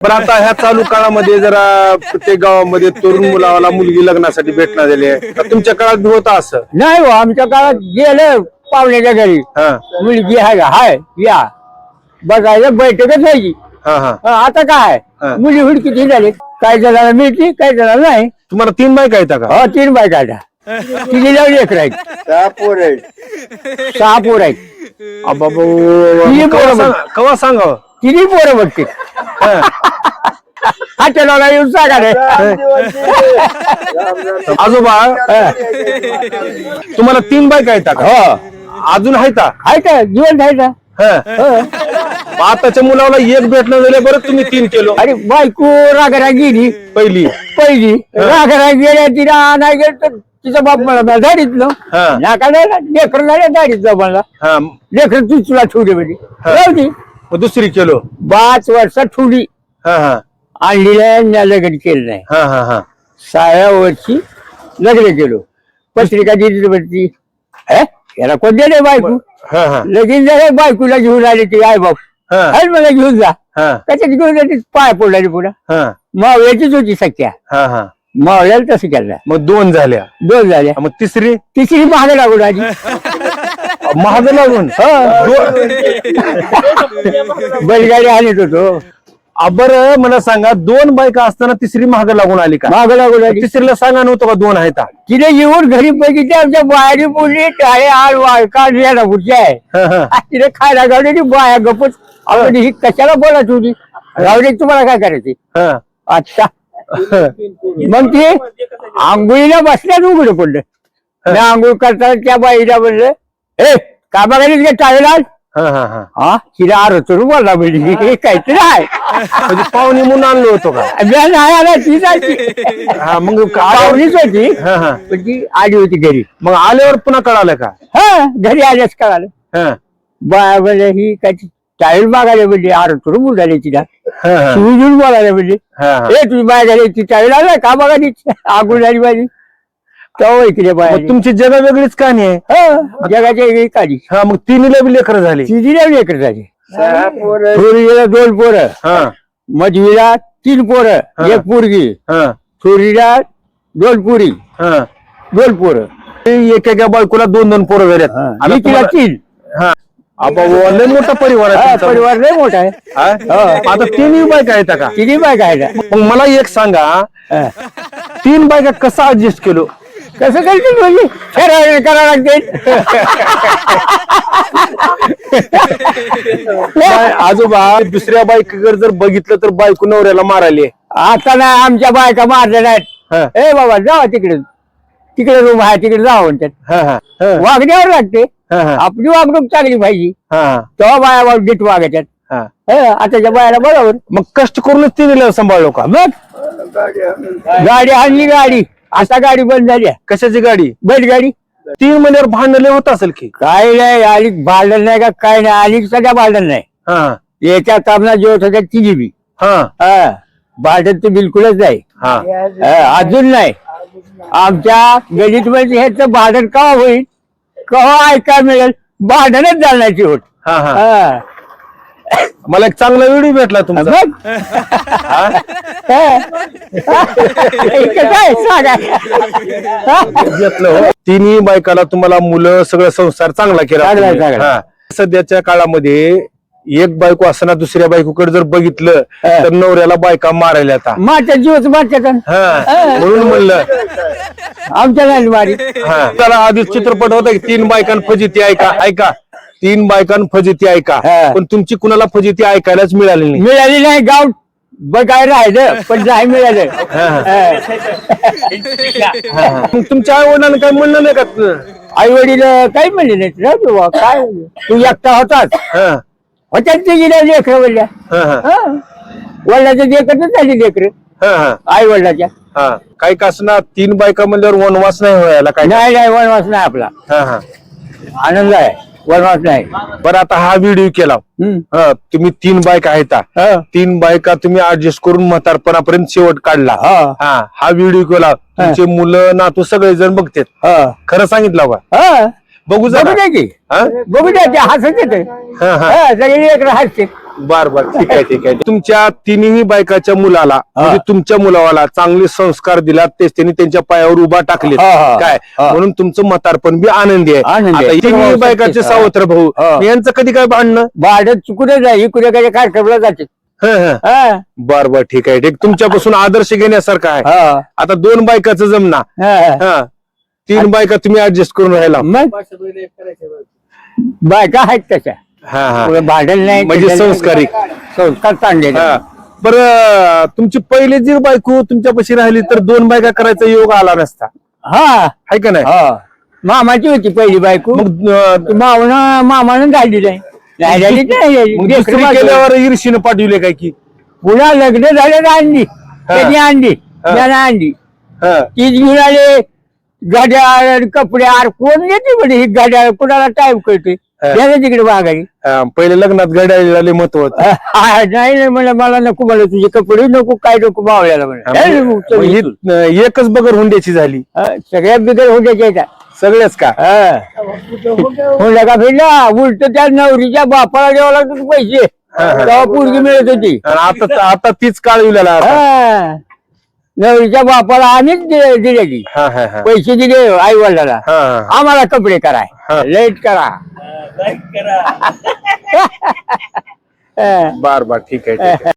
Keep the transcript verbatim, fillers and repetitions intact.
पण आता ह्या चालू काळामध्ये जरा प्रत्येक गावामध्ये तरुण मुलाला मुलगी लग्नासाठी भेटणार झाली आहे. तर तुमच्या काळात बी होतं असं? नाही हो, आमच्या काळात गेलं पाहुण्याच्या घरी हा मुलगी आहे का हाय या बघायला बैठकच व्हायची. हा हा हा, आता काय हा. मुली हुडकीची झाली, काही जणांना मिळते काही जणांना नाही. तुम्हाला तीन बायका आहेत का? हो तीन बायका आहेत, तिची लावली एक राहील, सहा पोर आहेत. सहा पोर आहेत. अबाबो, तिन्ही कवा पोरं सांग- कवा सांगावं? तिन्ही पोरं बघते. हॉटेलला येऊन सांगा रे. आजोबा तुम्हाला तीन बायका आहेत का? हो अजून आहेत का? आहे का जीवन आहे का? हा. आताच्या मुलाला एक भेटणं झालं, बरं तुम्ही तीन केलो. अरे बायको रागरा गेली पहिली पहिली रागरा गेल्या, तिला नाही गेलं तर तिचा बाप मला दाडीतलं हा. नाका लेकर झाल्या दाडीतलं मला हा लेकर तू तुला ठेवली म्हणजे राहू मग दुसरी केलो. पाच वर्षात ठेवली, हा हा आणली नाही, लग्न केलं नाही. हा हा हा सहाव्या वर्षी लग्न केलो, पत्रिका दिली वरती. हे याला कोण दिले बायको? हा हा लगीन झालं, बायकोला घेऊन आले ती आई बाप, हा अरे मला घेऊन जा. हा त्याच्यात घेऊन जाते, पाय पडला पुन्हा. हा मावळ्याचीच होती सख्या, हा हा मावळ्याला तसं केलं. मग दोन झाल्या. दोन झाल्या, मग तिसरी तिसरी महाग लागून आली. महाग लागून बैलगाडी आणत होतो. बर मला सांगा, दोन बायका असताना तिसरी महाग लागून आली का? महाग लागून आली. तिसरीला सांगा नव्हतं का दोन आहेत? तिने येऊन घरी बघितली, आमच्या बाहेरी बोलली टाळे आळ वाळका याला पुढची आहे. हा, हा. तिने खायला गावली, बाया गपच. आपण ही कशाला बोलत होती? रावडे तुम्हाला काय करायचे हा. अच्छा. मग ते आंघोळीला बसल्याच उघड पडलं. मी आंघोळ करताना त्या बाईला म्हणलं, ए कामा घरीच का टाळेला? हा, हा, हा. हा तिला आरोच बोलला म्हणजे काहीतरी आहे. म्हणजे पाहुणे म्हणून आणलो होतो का? मी नाही आला, ती जायची हा मग पाहुणीच होती, हा हा पण ती आली होती घरी. मग आल्यावर पुन्हा कळालं का? हा घरी आल्यास कळालं. हा बाया म्हणजे ही काय टाईल मागायला म्हणजे आरोच बोलायला तिला, हा, हा. शिवजून बोलायला म्हणजे, हा, हा. ए तुझी बाय झाली ती टाईल आला का बघा आगून झाली माझी तेव्हा इकडे बाय. मग तुमची जगा वेगळीच कहाणी आहे. जगाच्या वेगळी काढी. हा मग तिन्हीला बी लेकर झाली. तिजीला लेकर झाली, सहा पोर आहेत. थोरीला दोन पोरं, हा मधवीला तीन पोरं, हा. एक पोरगी, हा थोरीला दोन पोरी, हा दोन पोरं. एकेका बायकोला दोन दोन पोरं झाल्यात. आता आणि तिला तुम्हाला- तीन. हा आबा, लय मोठा परिवार हा, आहे तुमचा. परिवार लय मोठा आहे. हा? आता तिन्ही बायका आहेत का? तिन्ही बाय काय मग मला एक सांगा, तीन बायका कसा ऍडजस्ट केलो? कसं करतील म्हणजे ठराव करावं लागते. नाही, आजोबा दुसऱ्या बायकाकडे जर बघितलं तर बायको नवऱ्याला मारायली. आता नाही आमच्या बायका मारल्या हा. नाहीत. ए बाबा जावा तिकडे, तिकडे रूम आहे तिकडे जावं म्हणतात. हा, हा, हा, वागण्यावर लागते, हा, हा, आपली वागणूक चांगली पाहिजे हा, तेव्हा बाया वाग नीट वागायच्यात. हा. हे, आताच्या बायाला बरोबर. मग कष्ट करूनच तिने सांभाळलो का? मग गाडी आणली, गाडी आता गाडी बंद झाली आहे. कशाची गाडी? बैलगाडी. तीन महिन्यावर भांडण लय होत असेल की? काय नाही आली भांडण नाही का काय नाही, आली सध्या भांडण नाही. हा याच्या तामना जेवत होत्या तिघी बी. हा हा भांडण तर बिलकुलच नाही. हा हा, अजून नाही. आमच्या गणित मध्ये ह्याचं भांडण केव्हा होईल, केव्हा ऐकायला मिळेल, भांडणच जाण्याची होत. हा हा हा. मला एक चांगला व्हिडिओ भेटला तुमचा. मग? हा. इकडं काय सांगा. घेतलं हो. तिन्ही बायकाला तुम्हाला मुलं सगळं संसार चांगला केला चांगला, तुम्ही. चांगला. हा. सध्याच्या काळामध्ये एक बायको असताना दुसऱ्या बायकोकडे जर बघितलं हा. तर नवऱ्याला बायका मारायला आता. माझ्या जीवच माझ्या हा म्हणून म्हणलं. आमच्या नाही मारी. हा त्याला आधीच चित्रपट होता की तीन बायकां फजिती ऐका ऐका तीन बायकां फजिती ऐका, हा. पण तुमची कुणाला फजिती ऐकायलाच मिळाली नाही. मिळाली नाही, गाव बघाय राहिलं पण नाही मिळालं. हा. हा. मग तुमच्या आई वडिलांना काय म्हणलं नाही का? आई वडील काही म्हणले नाहीत. राहू दे बुवा, काय तू एकटा होताच हा होत्या ते गेल्या लेकर वडल्या. हा हा वडिलाच्या लेकरच झाली लेकर हा हा आई वडिलाच्या. हा काही का असणार, तीन बायका म्हणल्यावर वनवास नाही व्हायला काय? नाही नाही वनवास नाही आपला, हा हा आनंद आहे, वनवास नाही. बरं आता हा व्हिडिओ केला. हम्म. हा तुम्ही तीन बायका आहेत, हा. तीन बायका तुम्ही ऍडजस्ट करून म्हातारपणापर्यंत शेवट काढला. हा. हा हा व्हिडिओ केला. तुमचे मुलं नातू सगळे जण बघतात. हा. खरं सांगितलं का? हा. बघू बघू जरा. द्या की, हा? बघू द्या, ते हसत येते. हा, हा. सगळे लेकर हसते. बर बर ठीक आहे ठीक आहे तुमच्या तिन्ही बायकाच्या मुलाला म्हणजे तुमच्या मुलाला चांगले संस्कार दिला तेच त्यांनी त्यांच्या पायावर उभा टाकले हा, हा, काय हा. म्हणून तुमचं म्हातारपण बी आनंदी आहे आनंदी आहे. आता तिन्ही बायकाचे हा. सावत्र भाऊ हा. यांचं कधी काय भांडणं भाडं चुकून जाई कुठे काय कार्यक्रमला जाते हं, हं. हा, बर बर ठीक आहे ठीक तुमच्यापासून आदर्श घेण्यासारखा आहे हा, आता दोन बायकाचं जमना हा. हा तीन बायका तुम्ही ऍडजस्ट करून राहिला मग बायका आहेत तशा हा हा पुढे भांडण नाही म्हणजे त्याच्यात संस्कारी. संस्कार चांगले हा. बरं तुमची पहिली जी बायको तुमच्यापाशी राहिली तर दोन बायका करायचा योग आला नसता हा आहे का नाही हा मामाची होती पहिली बायको मग अं, मावना मामानं गाडली नाही राहिलेली नाही. मग लेकरं दुसरी माझं. केल्यावर ईर्षीनं पाठवले काय की पुन्हा लग्न झालं आणली त्याची आणली हा. त्यानं आणली हा. तीच घेऊन आले गाड्या कपडे आर कोण येते म्हणजे ही गाड्या कोणाला टाइम कळते हा. त्याला तिकडे माघारी हा, पहिले लग्नात घड्याळी महत्व होतं. हा, नाही नाही मला मला नको मला तुझे कपडे नको काय नको मावळ्याला हा, म्हणे मग- मग ही, अं, एकच बगर हुंड्याची झाली सगळ्या बिगर होत्याच्या येतात सगळ्याच का म्हणलं का फिरला उलट त्या नवरीच्या बापाला द्यावं लागत पैसे तेव्हा पोरगी मिळत होती आणि आता आता तीच काळ विलेला हा. नवरीच्या बापाला आम्हीच दिले दिले की हा हा हा पैसे दिले आई वडिलाला हा, हा. आम्हाला कपडे कराय हा. लेट करा बर बर ठीक आहे ठीक आहे